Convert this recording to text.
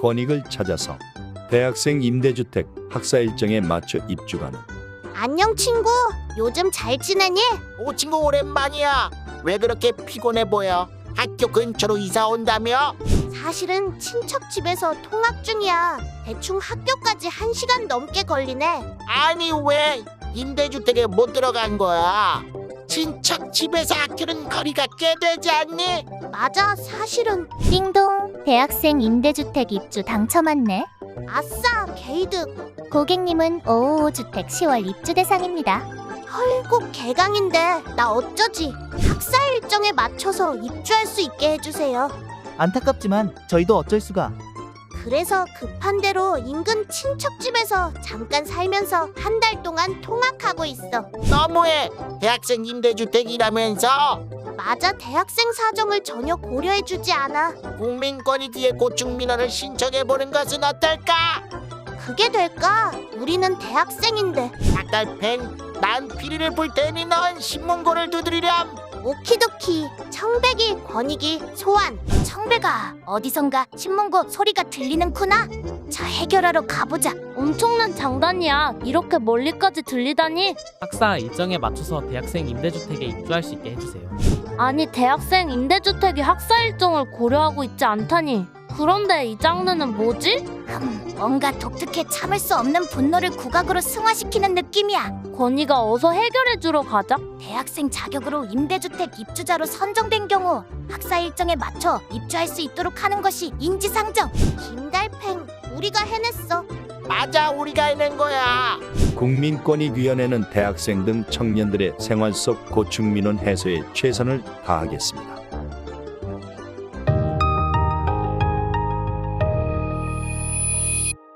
권익을 찾아서 대학생 임대주택 학사 일정에 맞춰 입주하는. 안녕 친구. 요즘 잘 지내니? 오 친구 오랜만이야. 왜 그렇게 피곤해 보여? 학교 근처로 이사 온다며? 사실은 친척 집에서 통학 중이야. 대충 학교까지 1시간 넘게 걸리네. 아니 왜 임대주택에 못 들어간 거야? 친척 집에서 학교는 거리가 꽤 되지 않니? 맞아, 사실은. 띵동, 대학생 임대주택 입주 당첨 왔네. 아싸, 게이득. 고객님은 555주택 10월 입주 대상입니다. 헐곡 개강인데 나 어쩌지? 학사 일정에 맞춰서 입주할 수 있게 해주세요. 안타깝지만 저희도 어쩔 수가. 그래서 급한 대로 인근 친척 집에서 잠깐 살면서 한 달 동안 통학하고 있어. 너무해. 대학생 임대주택이라면서? 맞아, 대학생 사정을 전혀 고려해주지 않아. 국민권익위에 고충민원을 신청해보는 것은 어떨까? 그게 될까? 우리는 대학생인데. 닭달팽, 난 피리를 불 테니 넌 신문고를 두드리렴. 오키도키. 청백이, 권익이, 소환. 청배가 어디선가 신문고 소리가 들리는구나. 자, 해결하러 가보자. 엄청난 장단이야. 이렇게 멀리까지 들리다니. 학사 일정에 맞춰서 대학생 임대주택에 입주할 수 있게 해주세요. 아니, 대학생 임대주택이 학사 일정을 고려하고 있지 않다니. 그런데 이 장르는 뭐지? 뭔가 독특해 참을 수 없는 분노를 국악으로 승화시키는 느낌이야. 권희가 어서 해결해주러 가자. 대학생 자격으로 임대주택 입주자로 선정된 경우 학사 일정에 맞춰 입주할 수 있도록 하는 것이 인지상정. 김달팽, 우리가 해냈어. 맞아, 우리가 해낸 거야. 국민권익위원회는 대학생 등 청년들의 생활 속 고충민원 해소에 최선을 다하겠습니다.